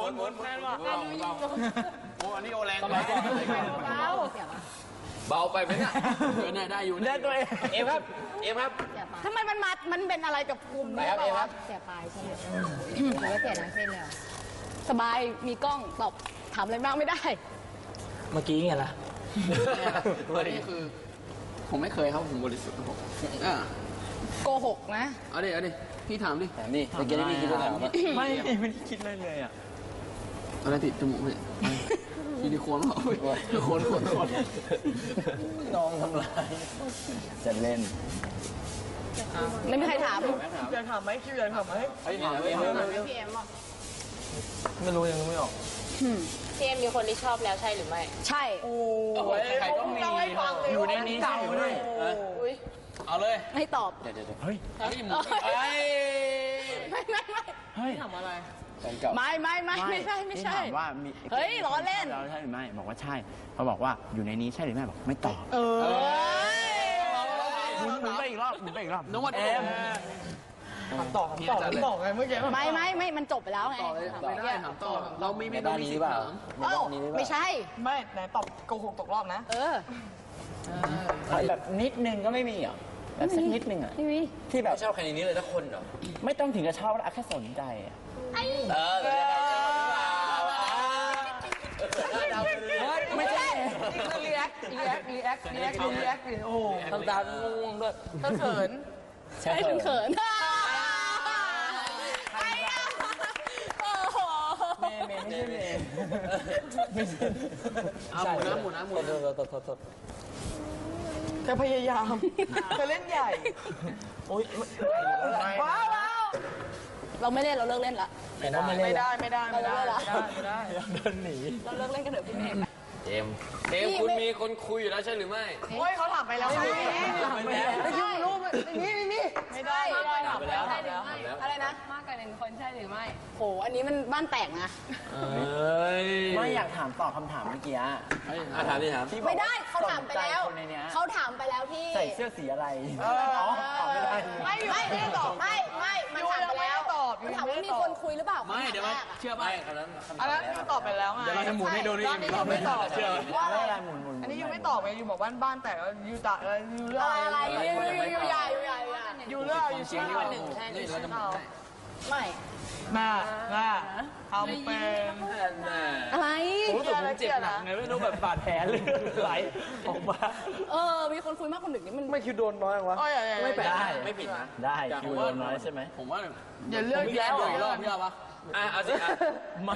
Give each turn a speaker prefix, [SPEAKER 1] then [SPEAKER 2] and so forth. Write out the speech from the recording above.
[SPEAKER 1] มุนแม่นว่ะโอ้อันนี้โอแรงไปเบาไปไหมเนี่ยได้อยู่ได้ตัวเอ็มครับ
[SPEAKER 2] ทำไมมันเป็นอะไรกับกลุ่มนี้เปล่าวะเสียปลายใช่ไหมหรือว่าเสียทั้งเส้นเลยสบายมีกล้องตอบถามอะไรบ้างไม่ได้
[SPEAKER 3] เมื่อกี้ไงล่ะ
[SPEAKER 1] นี่คือผมไม่เคยครับผมบริสุทธิ์ครับผม
[SPEAKER 2] โกหกนะ
[SPEAKER 1] เอาดิพี่ถามดิ
[SPEAKER 3] นี่เมื่อกี้พี่คิดว่าถามไม่ได้คิดเลยอ่ะ
[SPEAKER 1] อะไรติดจมูกเนี่ยซิลิโคนเหรอโคน
[SPEAKER 3] น้องทำลายจะเล่น
[SPEAKER 2] ไม่มีใครถาม
[SPEAKER 4] อยากถามไหมคิวอยากถามไหม
[SPEAKER 2] พี่เอ็มบอก
[SPEAKER 3] ไม่รู้ยังไม่ออก
[SPEAKER 5] พี่เอ็มมีคนที่ชอบแล้วใช่หรือไม่
[SPEAKER 2] ใช่
[SPEAKER 4] โอ้ยใครต้องมี
[SPEAKER 3] อยู่ในนี้ใช่ไหม
[SPEAKER 1] เอาเลย
[SPEAKER 2] ให้ตอบ
[SPEAKER 3] เดี๋ยวเฮ้ย
[SPEAKER 2] ไม่
[SPEAKER 4] ถามอะไร
[SPEAKER 2] ไม่ใช่
[SPEAKER 3] ถามว่ามี
[SPEAKER 2] เฮ้ยล้อเล่น
[SPEAKER 3] ใช่หรือไม่บอกว่าใช่เขาบอกว่าอยู่ในนี้ใช่หรือไม่บอกไม่ตอบหมุนไปอีกรอบ
[SPEAKER 1] น้องวัดเอ็ม
[SPEAKER 4] ตอบไงเมื่อกี้
[SPEAKER 2] ไม่มันจบไปแล้วไง
[SPEAKER 1] ไม่ได้ถามต่อเราไม่
[SPEAKER 3] ได้นี้เปล่า
[SPEAKER 2] ไม่ใช่
[SPEAKER 4] ไม่ไหนตอบโกหกตกรอบนะ
[SPEAKER 3] แบบนิดนึงก็ไม่มีอ่ะแบบสักนิดนึงอ่ะที่แบบ
[SPEAKER 1] ชอบใครในนี้เลยทุกคนเหรอ
[SPEAKER 3] ไม่ต้องถึงกับชอบแค่สนใจอ่ะไม่ใช่
[SPEAKER 4] รีแอคโอ้
[SPEAKER 3] ทำตามงงด้วย
[SPEAKER 4] เขิน
[SPEAKER 2] ใช่เขิน
[SPEAKER 3] ไม่ใช่ไม่ใช่
[SPEAKER 1] หมุน
[SPEAKER 4] เธอพยายามเธอเล่นใหญ่
[SPEAKER 3] โอ๊ย
[SPEAKER 4] ว้าว
[SPEAKER 2] เราไม่เล่นเราเลิกเล่นละ
[SPEAKER 4] ไม่ได้
[SPEAKER 3] เดินหนี
[SPEAKER 2] เราเลิกเล่นกันเถอะพี่เมย์
[SPEAKER 1] เจมคุณมีคนคุยอยู่แล้วใช่หรือไม่
[SPEAKER 4] โอ้ยเขาถามไปแล้วไม่ยุ่งรูปนี่ไม่ได้
[SPEAKER 1] ถามไปแล้ว
[SPEAKER 2] อะไรนะ
[SPEAKER 5] มากกว่าหนึ่งคนใช่หรือไม่
[SPEAKER 2] โหอันนี้มันบ้านแตกนะ
[SPEAKER 3] ไม่อยากถามตอบคำถามเมื่อกี้
[SPEAKER 1] ถาม
[SPEAKER 2] ไม่ได้เขาถามไปแล้วที่
[SPEAKER 3] ใส่เสื้อสีอะไรตอบไม่ได้
[SPEAKER 2] ไม่ตอบไม่มันถามไปแล้วมันถามว่ามีคนคุยหรือเปล่า
[SPEAKER 1] ไม่เดี๋ยวเชื่อไหม
[SPEAKER 4] อันนั้นยูตอบไปแล้วไง
[SPEAKER 1] เดี๋ยวเราจะหมุนให้ดูนี่
[SPEAKER 4] ยูไม่ตอบ
[SPEAKER 1] เชื่อ
[SPEAKER 3] ว่าอะไรหมุน
[SPEAKER 4] อันนี้ยูไม่ตอบไงยูบอกบ้านแต่ยูตะยูเลือก
[SPEAKER 2] อะไรยูใหญ่
[SPEAKER 4] ยูเลือกยูชี้
[SPEAKER 1] ว่าหนึ่งนี่เราจะหมุน
[SPEAKER 2] ไม่
[SPEAKER 4] น่าทำเป็น
[SPEAKER 2] อะไร
[SPEAKER 3] ผมรู้สึกผมเจ็บหนักไงไม่รู้แบบบาดแผลเลยไหลออกมา
[SPEAKER 2] มีคนคุยมากคนหนึ่งนี่มัน
[SPEAKER 3] ไม่คิวโดนน้อยวะ
[SPEAKER 4] ไม่เป็นได้
[SPEAKER 1] ไม่ผิดนะ
[SPEAKER 3] ได้คิวโดนน้อยใช่ไหม
[SPEAKER 1] ผมว่า
[SPEAKER 4] อย่าเลือก
[SPEAKER 1] แล้วอีกรอบพี่เอาปะเอาสิ